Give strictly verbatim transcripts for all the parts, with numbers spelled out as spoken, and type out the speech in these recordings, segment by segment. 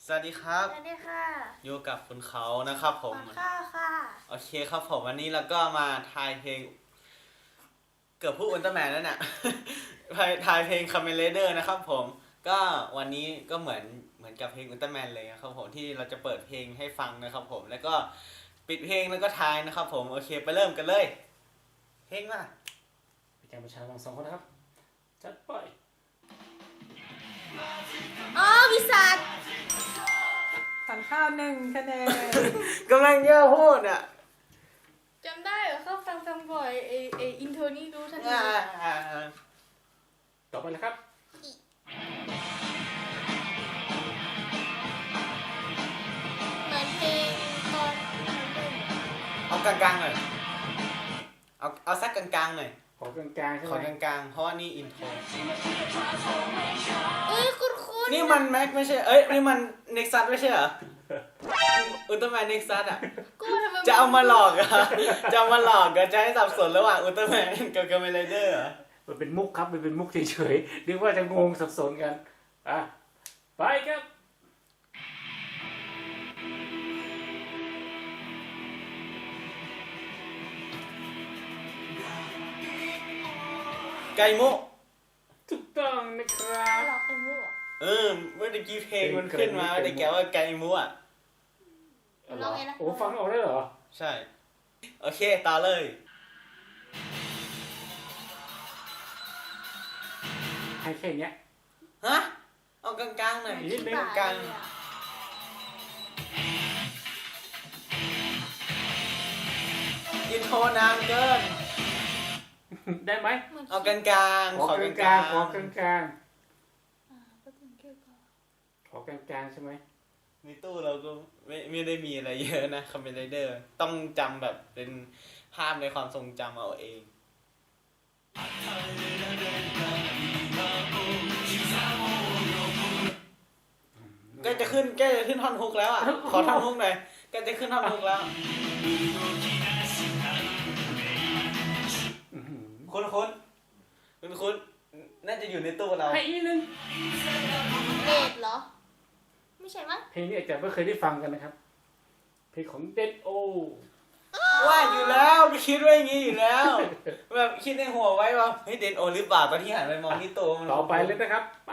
สวัสดีครับสวัสดีค่ะอยู่กับคุณเขานะครับผมค่ะค่ะโอเคครับผมวันนี้เราก็มาทายเพลงเกือบพูดอุลตร้าแมนแล้วเนี่ย ทายเพลงคาเมเลเดอร์นะครับผมก็วันนี้ก็เหมือนเหมือนกับเพลงอุลตร้าแมนเลยนะครับผมที่เราจะเปิดเพลงให้ฟังนะครับผมแล้วก็ปิดเพลงแล้วก็ทายนะครับผมโอเคไปเริ่มกันเลยเพลงมาเป็นการประชาชนสองคนนะครับจัดไปอ๋อวิสัทฝันข้าวหนึ่งคะแนนกำลังเยอะพูดอ่ะจำได้เหรอเขาฟังฟังบ่อยเอเออินโทรนี่รู้ทันทีต่อไปเลยครับเหมือนเพลงตอนเอากลางๆหน่อยเอาเอาสักกลางๆหน่อยขอกลางๆใช่ขอไหมกลางๆเพราะว่านี่อินโทรเอ้ยคุณคุณนี่มันแม็กไม่ใช่ เอ้ย นี่มันเน็กซัสไม่ใช่เหรอ อุลตร้าแมนเน็กซัสอ่ะกูทำไมจะเอามาหลอกเหรอะจะเอามาหลอกเหรอะจะให้สับสนระหว่างอุลตร้าแมนกับคาเมเลเดอร์เหรอมันเป็นมุกครับมันเป็นมุกเฉยๆนึกว่าจะงงสับสนกันอ่ะไปครับไกมุถูกต้องนะครับหลอกคุณรู้เหรอเออเมื่อกี้เพลงมันขึ้นมาได้แกว่าไกมุอ่ะลองไงนะโอ้ฟังออกได้เหรอใช่ โอเค ต่อเลยให้แค่เนี้ยฮะ เอากลางๆหน่อยนิดนึงกลางเลยอะอินโทรนานเกินได้ไหมเหมือนเอากลางๆขอขอก กลาลาง งๆขอกลางอ่าก็ถึงแค่ก่อนๆขอกลางๆใช่ไหมๆในตู้เราก็ไม่ไม่ได้มีอะไรเยอะนะคาเมเลเดอร์ ต้องจำแบบเป็นภาพในความทรงจำเอาเอง ก็จะขึ้นก็จะขึ้นท่อนฮุกแล้วอ่ะ ขอท่อนฮุกหน่อยก็จะขึ้นท่อนฮุกแล้วอื้อหือคุ้นคุ้นคุ้นคุ้นน่าจะอยู่ในตู้เราให้อีกนิดนึงเลดเหรอ ไม่ใช่มั้งเพลงนี้อาจจะไม่เคยได้ฟังกันนะครับ เพลงของเดนโอว่าอยู่แล้วไปคิดว่าอย่างงี้อยู่แล้ว แบบคิดในหัวไว้ว่าเฮ้ยเดนโอหรือเปล่าตอนที่หันไปมองที่ตู้มันต่อไปเลยนะครับ ไป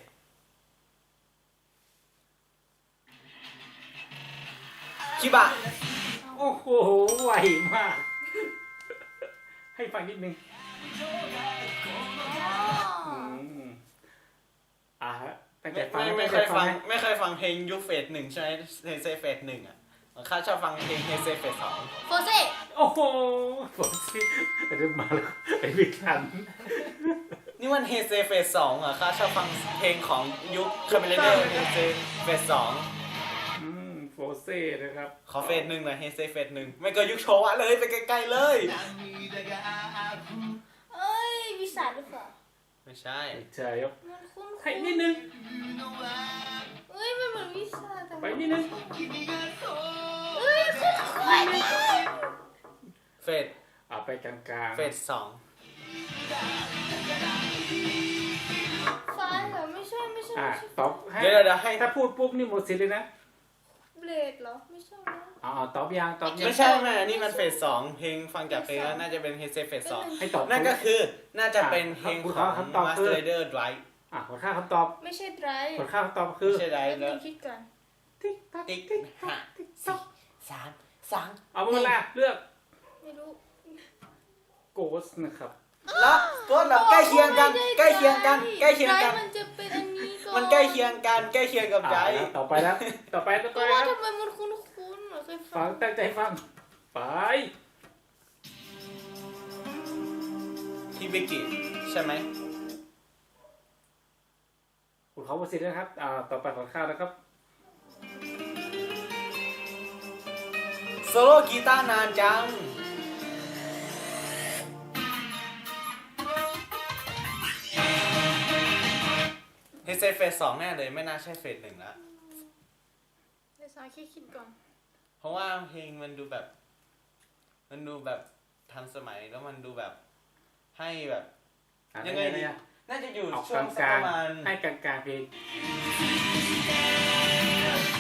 ชิบะโอ้โหไวมาก ให้ฟังนิดนึงอ๋ออืมอ่าฮะตั้งไม่แต่ฟังไม่ไม่ตั้เคแต่ยฟังนะไม่เคยฟังเพลงยุคเฟสหนึ่งใช่ไหมเฮเซเฟสหนึ่งอ่ะข้าชอบฟังเพลงเฮเซเฟสสองโฟเซ่โอ้โหผมสิเริ่มมาแล้วไอ้วิคันนี่มันเฮเซเฟสสองเหรอข้าชอบฟังเพลงของยุคคาเมเลเดอร์เฮเซเฟสสองอืมโฟเซ่นะครับขอเฟสหนึ่งหน่อยเฮเซเฟสหนึ่งไม่ก็ยุคโชวะเลยไปไกลๆเลยเอ้ยวิสัทหรือเปล่าไม่ใช่ใช่ครับมันคุ้นๆให้นิดนึงเอ้ยมันเหมือนวิสัทแต่ไปนิดนึงเอ้ยคุ้นๆเฟสอ่าไปกลางๆเฟสสองฟ้าเหรอไม่ใช่ไม่ใช่อ่าไม่ใช่ตอบให้เดี๋ยวเดี๋ยวให้ถ้าพูดปุ๊บนี่หมดสิทธิ์เลยนะเบลดเหรอไม่ใช่นะอ๋อตอบยังตอบยังไม่ใช่แม่อันนี้มันเฟสสองเพลงฟังจากเพลงแล้วน่าจะเป็นเฮเซเฟสสองให้ตอบนั่นก็คือน่าจะเป็นเพลงของคำตอบคือ Master Rider Drive อ่ะผลค่าคำตอบไม่ใช่ไดรฟ์ผลค่าคำตอบคือไม่ใช่ไดแล้แล้ว วคิดก่อนติ๊กตักติ๊กติ๊กห้าติ๊กสี่ตักสามสองเอาเวลาเลือกไม่รู้โกสนะครับแล้วก็แบบใกล้เคียงกันใกล้เคียงกันใกล้เคียงกันไดรฟ์มันจะเป็นอันนี้ก่อนมันใกล้เคียงกันใกล้เคียงกับไดอ่าต่อไปแล้วต่อไปต่อไปก็ว่าครับทำไมมันคุ้นๆเหมือนเคยฟัฟังงตั้งใจฟังไปที่วิกิใช่ไหมคุณเขาประสิทธิ์นะครับอ่าต่อไปผลค่านะครับโซโล่กีตาร์นานจังเฮเซเฟสสองแน่เลยไม่น่าใช่เฟสหนึ่งละเดี๋ยวสายคิดคิดก่อนเพราะว่าเพลงมันดูแบบ มันดูแบบทันสมัยแล้วมันดูแบบให้แบบอ่ะยังไงดีนะน่าจะอยู่เอาช่วงกสักลาปงระมาณๆให้กลางๆเพลง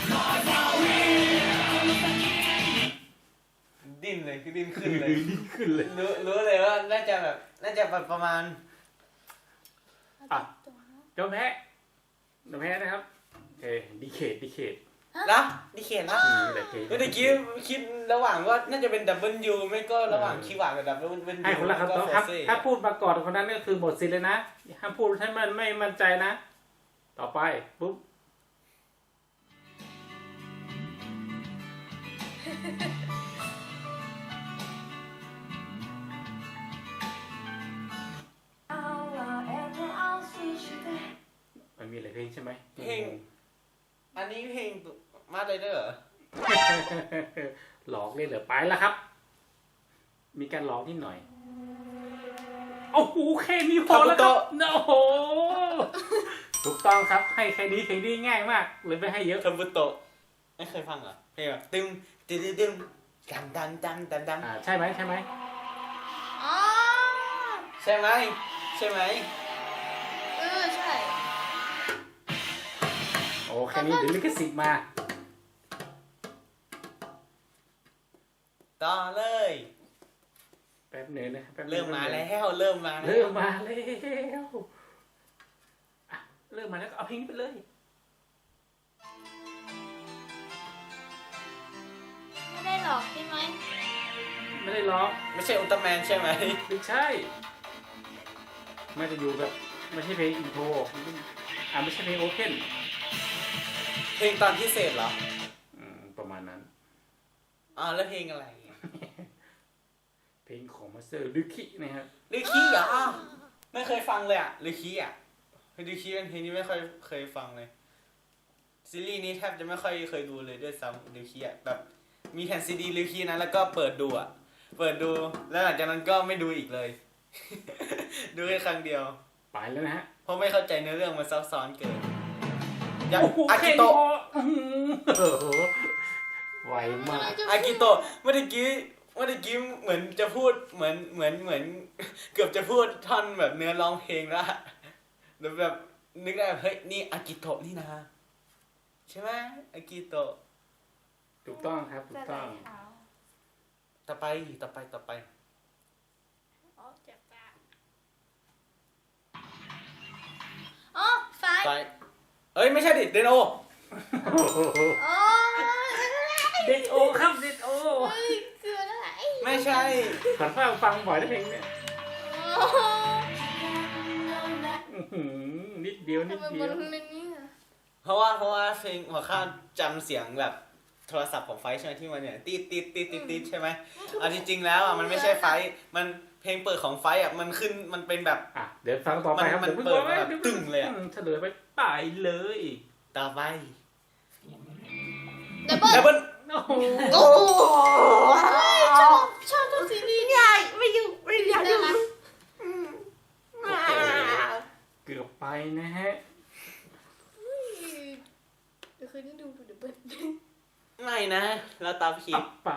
ดิ้นขึ้นเลยดิ้นขึ้นเลยรู้รู้เลยว่าน่าจะแบบน่าจะแบบประมาณอ่ะ ยอมแพ้ยอมแพ้นะครับโอเคดีเคทดีเคทนะดิเคนนะอืมแต่เคเมื่อกี้คิดระหว่างว่าน่าจะเป็นดับเบิลยูไม่ก็ระหว่างคีย์หวานกับดับเบิลยูให้คนละคำตอบครับก็โฟเซ่ถ้าพูดมาก่อนคนนั้นก็คือหมดสิทธิ์เลยนะห้ามพูดถ้ามันไม่มั่นใจนะ ต่อไปปุ๊บ มันมีหลายเพลงใช่ไหมเพลง อันนี้เพลงมาเลยเด้อหลอกเลยเหรอไปแล้วครับ มีการหลอกนิดหน่อยโอ้โหแค่นี้พอแล้วครับโอ้โหถูกต้องครับให้แค่นี้เพลงนี้ง่ายมากเลยไม่ให้เยอะคาบุโตะไม่เคยฟังเหรอเพลงแบบตึมตึมตึมตึมดังดังดังดังดังอ่าใช่ไหมใช่ไหมอ๋อใช่ไหมใช่ไหมเออใช่โอ้แค่นี้เดี๋ยวลิขสิทธิ์มาต่อเลยแป๊บหนึงนะแป๊บหนึ่งเริ่มมาแล้วเริ่มมาแล้วเริ่มมาแล้วอ่ะเริ่มมาแล้วก็เอาเพลงนี้ไปเลยไม่ได้หรอกใช่ไหมไม่ได้ร้องไม่ใช่อุลตร้าแมนใช่ไหมไม่ใช่มันจะอยู่แบบไม่ใช่เพลงอินโทรอ่าไม่ใช่เพลงโอเพนเพลงตอนพิเศษเหรออืมประมาณนั้นอ๋อแล้วเพลงอะไรเพลงของมาสเตอร์ดึคินะครับลือคีเหรอไม่เคยฟังเลยอ่ะลือคีอ่ะลือคีเป็นเพลงที่ไม่ค่อยเคยฟังเลยซีรีส์นี้แทบจะไม่ค่อยเคยดูเลยด้วยซ้ำลือคีอ่ะแบบมีแผ่นซีดีลือคีนะแล้วก็เปิดดูอ่ะเปิดดูแล้วหลังจากนั้นก็ไม่ดูอีกเลย ดูแค่ครั้งเดียวไปแล้วนะฮะเพราะไม่เข้าใจเนื้อเรื่องมันซับซ้อนเกินอย่างโอ้โหอาแค่กินี้โตะพออื้อหือโอ้โหไวมากอากิโตะเมื่อกี้เมื่อกี้เหมือนจะพูดเหมือนเหมือนเหมือน เกือบจะพูดท่อนแบบเนื้อร้องเพลงแล้วอะแล้วแบบนึกได้แบบเฮ้ยนี่อากิโตะนี่นะใช่ไหมอากิโตะถูกต้องครับถูกต้องต่อไปต่อไปต่อไปอ๋อเจ็บตาอ๋อไฟไปเอ้ยไม่ใช่ดิเดนโออ๋อเด็ดโอครับเด็ดโอเฮ้ยคืออะไรไม่ใช่ขันฟังฟังบ่อยได้เพลงเนี่ยอ๋ออื้อหือนิดเดียวนิดทำไมเดีมัยนวเป็นอย่างนี้อะเพราะว่าเพราะว่าเพลงหัวข้าวจำเสียงแบบโทรศัพท์ของไฟท์ใช่ไหมที่มันเนี่ยตีดตีดตีดตีดตีดใช่ไหมเอาจริงๆแล้วอ่ะมันไม่ใช่ไฟท์มันเพลงเปิดของไฟท์อ่ะมันขึ้นมันเป็นแบบอ่ะเดี๋ยวฟังต่อไปครับมันดี๋ยวเปิดมาพิ่แบบตึ้งเลยอะมเฉลยไปไปเลยต่อไปดับเบิ้ลดับเบิ้ลโอ้โหโอ้ชอบชอบทุกซีรีส์เนี่ยไม่อยู่ไม่อยากได้ไหมเกือบไปนะฮะเดี๋ยวคืนนี้ดูดูดับเบิ้ลไม่นะเราตามผิต่ดอไป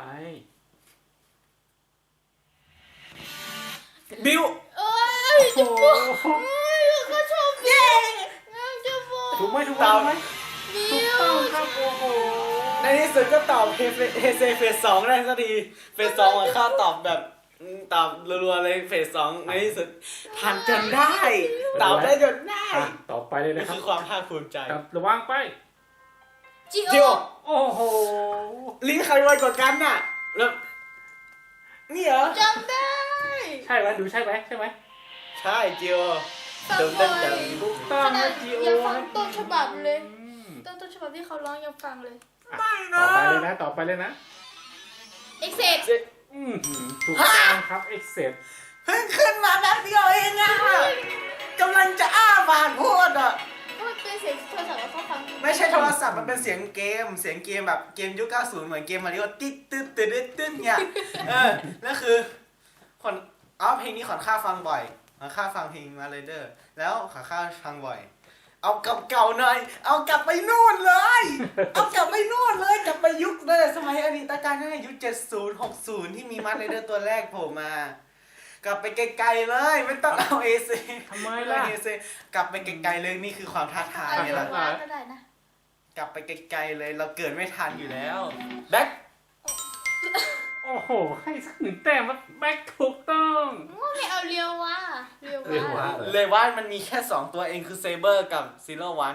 บิวเอ้ยโอ้โหเอ้ยก็ชอบเย้จะบอกถูกไหมถูกไหมถูกไหมบิถูกวต้องครับโอ้โหในที่สุดก็ตอบเฮเซเฮเซเฟสสองได้สักทีเฟสสองอะข้าตอบแบบอืมตอบรัวๆเลยเฟสสองในที่สุดทันจนได้ตอบได้จนได้อ่ะต่อไปเลยนี่นะครัคืบอความภาคภูมิใจครับระวังไปจิจิโอโอโอ้โหลิ้นใครไวกว่ากันน่ะแล้วนี่เหรอจำได้ใช่ไหมดูใช่ไหมใช่ไหมใช่จิโอฟังเติมบ่เต็อมยเต็มถูกต้องนะจีโอยังฟังต้นฉบับเลยอืมต้นต้นฉบับที่เขาร้องยังฟังเลยไม่ต่นะอไปเลยนะต่อไปเลยนะเอ็กเซกอืมถูกต้องครับเอ็กเซปเพิ่งขึ้นมาแป๊บเดียวเองอะกำลังจะอ้าปากพูดอะก็เป็นเสียงโทรศัพท์แล้วเขาฟังไม่ใช่โทรศัพท์มันเป็นเสียงเกม เสียงเกมแบบเกมยุคเก้าสิบเหมือนเกมมาริโอติ๊ดตึ๊ดตึ๊ดตึ๊ดตึ๊ดเนี่ยเออนั่นคือขอนอ๋อเพลงนี้ขอนข้าฟังบ่อยขอนข้าฟังเพลงมาเลยเดอร์แล้วขอนข้าฟังบ่อย เอากลับเก่าหน่อย เอากลับไปนู่นเลย เอากลับไปนู่นเลยกลับไปยุคเลยสมัยอดีตการนั่นยุคเจ็ดศูนย์หกศูนย์ที่มีมาเลยเดอร์ตัวแรกโผล่มา กลับไปไกลๆเลยไม่ต้องเอาเอซทำไมล่ะเอซกลับไปไกลๆเลยนี่คือความท้าทายอะไรไงล่ะว่าก็ได้นะกลับไปไกลๆเลยเราเกิดไม่ทันอยู่แล้วแบ็คโอ้โอ้โห ให้สักหนึ่งแต้มครับแบ็คถูกต้องว่าไม่เอาเรียววะเรียวเรียววะวะเลยว่ามันมีแค่สองตัวเองคือเซเบอร์กับซีโร่วัน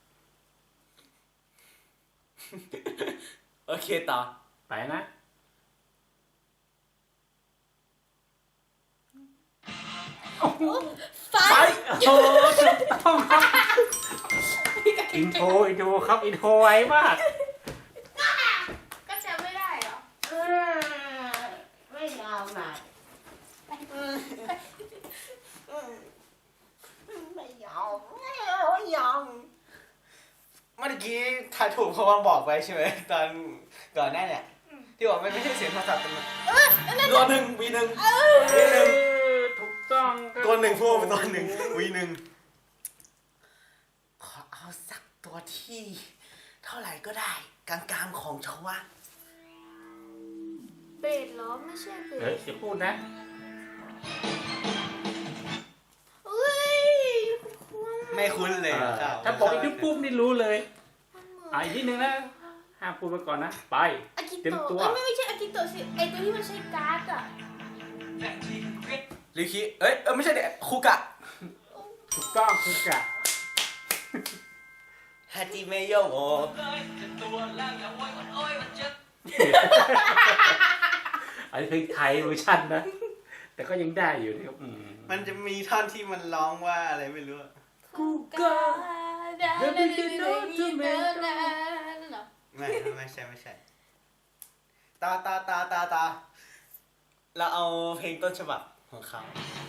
โอเคต่อไปนะ โอ้โหไฟไปโอ้โหถูกต้องครับอินโทรอินโทรครับอินโทรไวมากก็จะไม่ได้เหรอไม่ยาวหน่อยไม่ยาวไม่ยาวเมื่อกี้ถ่ายถูกเพราะว่าบอกไปใช่ไหมตอนก่อนหน้าเนี่ยที่บอกไม่ไม่ใช่เสียงโทรศัพท์เป็นตัวหนึ่งวีหนึ่งวีหนึ่งถูกต้องครับตัวหนึ่งพูดเป็นตัวหนึ่งวีหนึ่งขอเอาสักตัวที่เท่าไหร่ก็ได้กลางๆของชาวะเบสเหรอไม่ใช่เบเฮ้ยสอย่าพูดนะเฮ้ยไม่คุ้นเลยเออครับถ้าบอกอีกนิดปุ๊บนี่รู้เลยมันเหมือนอ่ะอีกนิดนึงนะห้ามพูดไปก่อนนะ ไปอากิเตรียมโตะตัวเอ้ยไม่ไม่ใช่อากิโตะสิไอตัวที่มันใช้การ์ดอะลิคิเอ้ยเออไม่ใช่เด็กคุกะถูกต้องคือกะฮาจิเมโยโออันนี้เพลงไทยเวอร์ชันนะ แต่ก็ยังได้อยู่นะครับอืมมันจะมีท่อนที่มันร้องว่าอะไรไม่รู้อะกูกาดาดาดาดาดาดาเหรอไม่ไม่ใช่ไม่ใช่ตาตาตาตาตาเราเอาเพลงต้นฉบับของเขา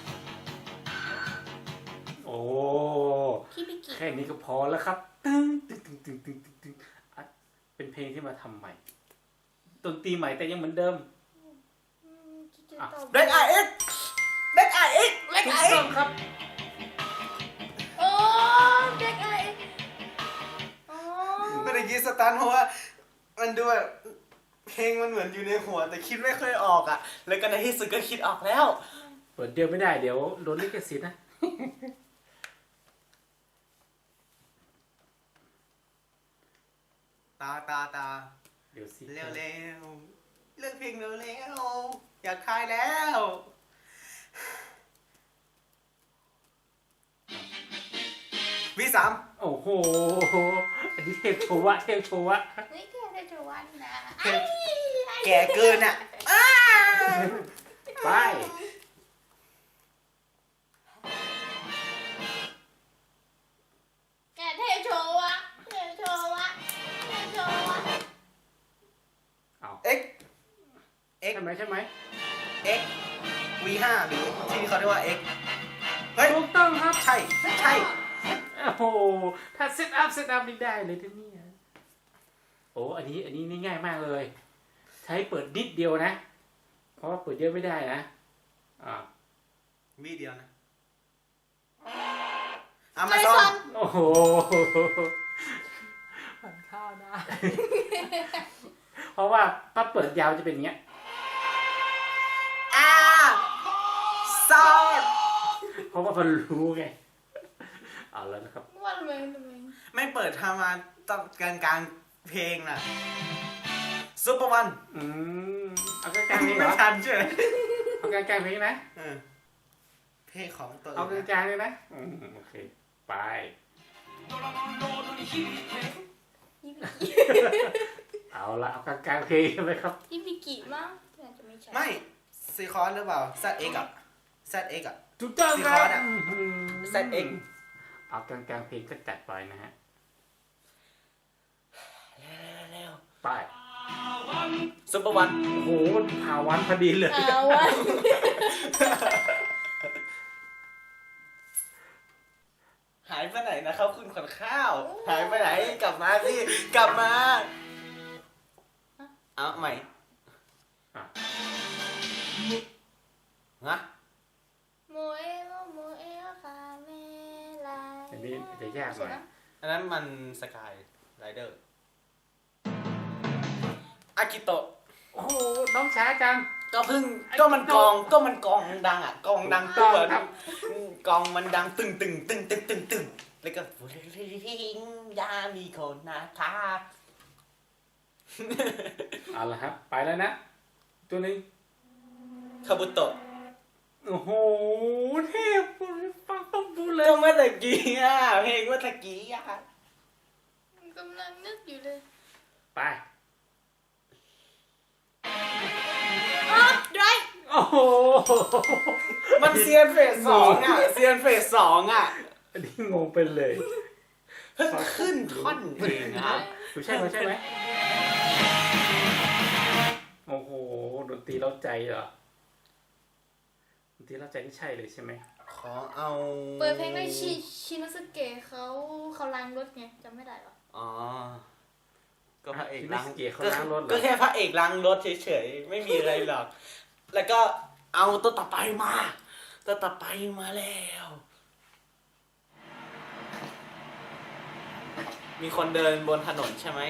โอ้คิบิกิแค่นี้ก็พอแล้วครับ ตึ้งตึ้งตึ้งตึ้งตึ้งตึ้งตึ้งอ่ะเป็นเพลงที่มาทำใหม่ดนตรีใหม่แต่ยังเหมือนเดิมอืมคิดจะตอบเบล็กไอเอ็กเบล็กไอเอ็กเบล็กถูไอก เอ็ต้อก งครับโอ้เด็กไออ๋อเมื่อกี้สตันเพราะว่ามันดูแบบเพลงมันเหมือนอยู่ในหัว แต่คิดไม่ค่อยออกอ่ะ แล้วก็ในที่สุดก็คิดออกแล้วเปิดเดียวไม่ได้เดี๋ยวโดนลิขสิทธิ์นะตาตาตาเดี๋ยวสิเร็วเร็วๆเลือกเพลงเร็วเร็วๆอยากคายแล้ววีสามโอ้โห อันนี้เทพโชวะเทพโชวะนี่แกได้จะวันนะเพลงแก่เกินอ่ะอ้าไปแกเทโชว์วะเทโชว์วะเทโชว์วะเอ็กเอ็กใช่ไหมใช่ไหมเอ็กวีห้าหรือที่เขาเรียกว่าเอ็กเฮ้ยถูกต้องครับใช่ใช่โอ้โห ถ้าเซตอัพเซตอัพนี่ได้เลยที่นี่โอ้อันนี้อันนี้นี่ง่ายมากเลย ใช้เปิดนิดเดียวนะ เพราะว่าเปิดเยอะไม่ได้นะ อ่ามีเดียวนะอามาซอนโอ้โหฝันข้าวได้เพราะว่าถ้าเปิดยาวจะเป็นอย่างเงี้ยอาซอนเพราะว่ามันรู้ไง เอาแล้วนะครับว่าทำไมทำไมไม่เปิดทำมาตอนกลางกลางๆเพลงน่ะซุปเปอร์วันอืม เอากลางๆเพลงเหรไม่อทันใช่ไหมเอากลางๆเพลงนะเออเพลงของตัวเอากอื่นนะลางๆเลยนะอืมโอเค ไปฮิบิกิเอาละเอากลางๆเพลงใช่ไหมครับฮิบิกิมั้งน่าจะไม่ใช่ไม่ซีคอนหรือเปล่า แซดเอ็กอะแซดเอ็กอะถูกต้องสี่คคอรัร์บดอะอืมแซดเอ็กเอากลางๆเพลงก็จัดไปนะฮะเร็วไปซุปเปอร์วันโอ้โหผ่าวันพอดีเลยเอาวะหายไปไหนนะครับคุณขวัญข้าว หายไปไหนกลับมาสิกลับมา เอาใหม่อ่ะนะโมเอโมโมเอคาเมลาอันนี้จะยากหน่อยอันนั้นมันสกายไรเดอร์อากิโตะโอ้โห น้องช้าจังก็เพิ่งก็มันกองก็มันกองดังอ่ะกองดังตัวครับกองมันดังตึงตึงตึงตึงตึงตึงแล้วก็ยามีคนนะคะเอาละครับ ไปแล้วนะตัวหนึงคาบุโตะโอ้โหเทพฟังต้องพูดเลยก็เมื่อตะกี้อ่ะเพลงเมื่อตะกี้อ่ะกำลังนึกอยู่เลยไปอ๋อไรโอ้โหมันเซียนเฟสสองอ่ะเซียนเฟสสองอ่ะอันนี้งงไปเลยเพิ่งขึ้นท่อนเองครับถูกใช่ไหมใช่ไหมโอ้โหดนตรีเล้าใจเหรอดนตรีเล้าใจนี่ใช่เลยใช่ไหมขอเอาเปิดเพลงในชิชินสเกะเขาเขาล้างรถไงจำไม่ได้หรออ๋อก็พระเอกล้างเกียร์เขาล้างรถเหรก็อแค่พระเอกล้างรถเฉยๆไม่มีอะไรหรอก แล้วก็เอาตัวต่อไปมาตัวต่อไปมาแล้ว มีคนเดินบนถนนใช่ไหม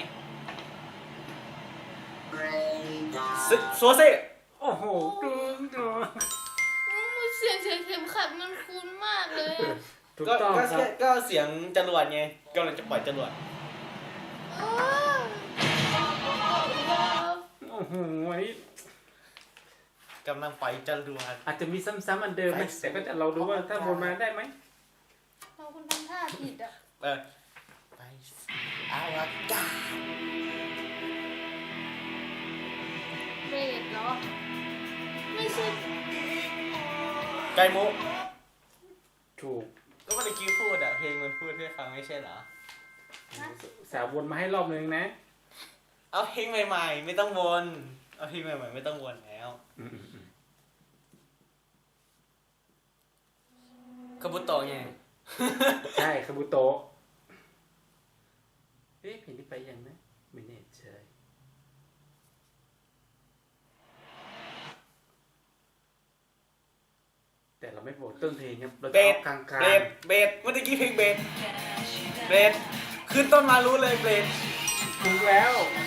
ซึโซเซโอ้โหดูดูอืมเสียงเสียงเข็มขัดมันคุ้นมากเลยอะถูกก็ต้องก็ครับก็เสียงจรวดไงกำลังจะปล่อยจรวดอ๋อโอ้โหอันนี้กำลังปล่อยจรวดอาจจะมีซ้ำๆอันเดิมนะแต่ก็จะเราดูว่าถ้าวนมาได้ไหมเราคุณทำท่าผิดอ่ะเออไปสู่อวกาศเบรดเหรอ ไม่ใช่ไกมุถูกก็เมื่อกี้พูดอะเพลงมันพูดให้ฟังไม่ใช่เหรอสาววนมาให้รอบนึงนะเอาเพลงใหม่ๆ ไม่ต้องวน เอาเพลงใหม่ๆไม่ต้องวนแล้วอืมอืมคาบุโตะไงใช่คาบุโตะเอ๊ะเพลงที่ไปยังนะไม่แน่ใจแต่เราไม่บอกต้นเพลงครับเราจะเบสเอากลางเบสเบสเมื่อกี้เพลงเบสเบสขึ้นต้นมารู้เลยเบสๆถูกแล้ว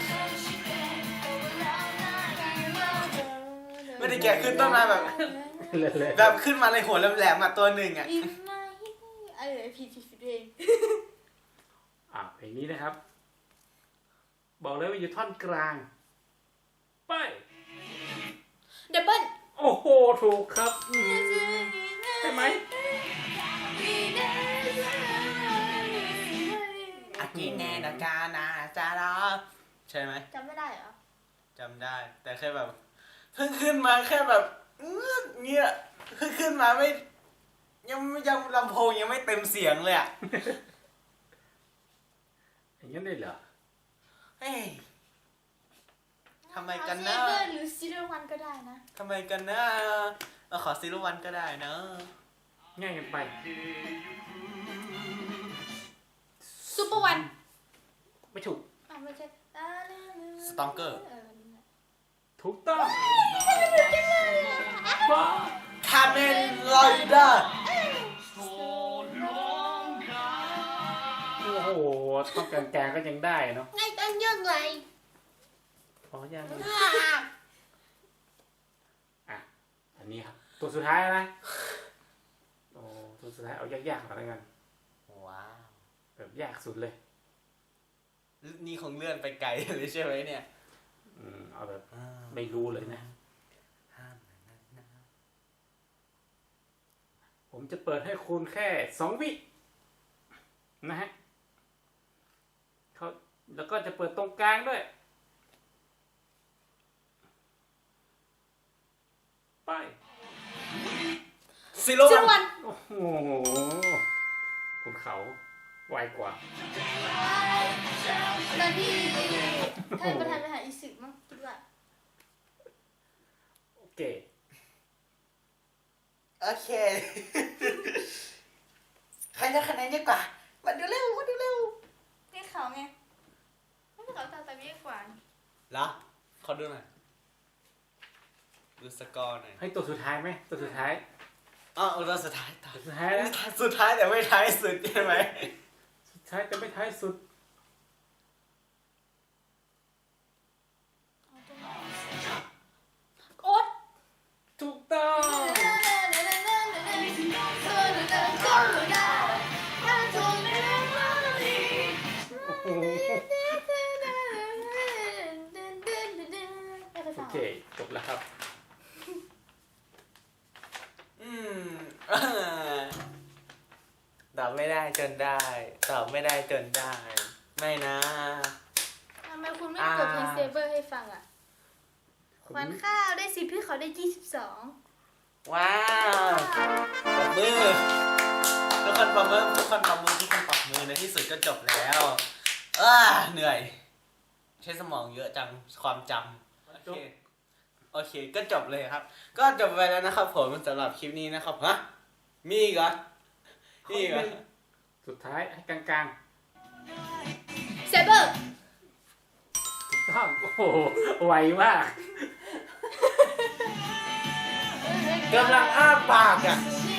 เมื่อกี้ขึ้นต้นมาแบบเลยเลยแบบขึ้นมาในหัวแหลมๆมาตัวหนึ่งอะอินไม่ไอ้ผิดผิดผิดเองอ่ะเพลงนี้นะครับ บอกเลยว่าอยู่ท่อนกลาง ไปดับเบิ้ลโอ้โห ถูกครับอืมใช่ไหมอากิเนนากานาจาราใช่ไหมจำไม่ได้เหรอจำได้ แต่แค่แบบเพิ่งขึ้นมาแค่แบบอื้อเงี้ยเพิ่งขึ้นมาไม่ยังยังลำโพงยังไม่เต็มเสียงเลยอะอย่างนั้นได้เหรอเฮ้ยทำไมกันเซนะเบอร์หรือซีเรวันก็ได้นะทำไมกันนะเอาขอซีรุวันก็ได้นะง่ายกันไปซูเปอร์วันไม่ถูกอ่ะไม่ใช่สตองเกอร์เออนี่แหละถูกต้องบ้าคาเมนลอยเดอร์โอ้โหท่อนกลางๆก็ยังได้เนาะไงตั้งยังไงอ๋อยังไม่อ่ะ อันนี้ครับ ตัวสุดท้ายนะโอ้ตัวสุดท้ายเอายากๆหน่อยแล้วกันว้าวแบบยากสุดเลยนี่คงเลื่อนไปไกลเลยใช่ไหมเนี่ยอืมเอาแบบไม่รู้เลยนะ ผมจะเปิดให้คุณแค่สองวินะฮะเขาแล้วก็จะเปิดตรงกลางด้วย ไปซีรุซีวัเรนวันโอ้โหคุณเขาไวกว่าตอนที่ท่านประธานไปหาอิสึมั้งคิดว่าโอเคโอเค ใครจะคะแนนเยอะกว่า มาดูเร็ว มาดูเร็วนี่เขาไงไม่ใช่เขาตาตาเบี้ยกว่าเหรอขอดูหน่อย ดูสกอร์หน่อยให้ตัวสุดท้ายไหมตัวสุดท้ายอ๋อตัวสุดท้ายต่อตัวสุดท้ายนะสุดท้ายแต่ไม่ท้ายสุดใช่ไหมสุดท้ายแต่ไม่ท้ายสุดโอ๊ตถูกต้อง โอ้โหไม่เคยฟังเคจบแล้วครับอืม ตอบไม่ได้จนได้ ตอบไม่ได้จนได้ ไม่นะทำไมคุณไม่เปิดเพลงเซเบอร์ให้ฟังอ่ะขวัญข้าวได้สิบพี่เขาได้ยี่สิบสองว้าวปรบมือทุกคนปรบมือทุกคนปรบมือทุกคนปรบมือในที่สุดก็จบแล้วอ้าเหนื่อย ใช้สมองเยอะจังความจำโอเคโอเคก็จบเลยครับ ก็จบไปแล้วนะครับผมสำหรับคลิปนี้นะครับฮะมีอีกเหรอมีอีกเหรอสุดท้ายให้กลางเซเบอร์ๆถูกต้องโอ้โหไวมากกำลังอ้าปากอ่ะ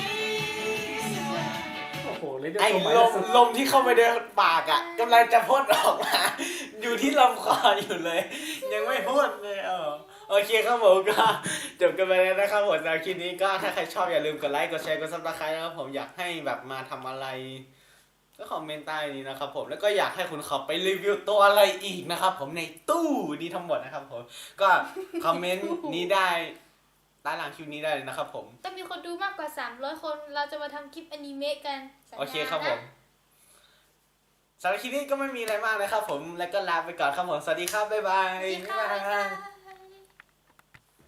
โอ้โหเลยด้วยไอ้ตัวหมายลเลมขสุดลมที่เข้าไปในปากอ่ะกำลังจะพ่นออกมา อยู่ที่ลำคออยู่เลย ยังไม่พ่นเลยเออโอเคครับผมก็จบกันไปแล้วนะครับผมสำหรับคลิปนี้ก็ถ้าใครชอบอย่าลืมกดไลค์กดแชร์กดซับสไครต์นะครับผมอยากให้แบบมาทำอะไร ก็คอมเมนต์ใต้นี้นะครับผมแล้วก็อยากให้คุณเขาไปรีวิวตัวอะไรอีกนะครับผมในตู้นี้ทั้งหมดนะครับผมก็คอมเมนต์นี้ได้ใต้หลังคลิปนี้ได้เลยนะครับผมต้องมีคนดูมากกว่าสามร้อยคนเราจะมาทำคลิปอนิเมะกันสัญญาโอเคครับผนะมสำหรับคลิปนี้ก็ไม่มีอะไรมากนะครับผมแล้วก็ลาไปก่อนครับผมสวัสดีครับบ๊ายบายสวัสดีค่ะบ๊ายบาย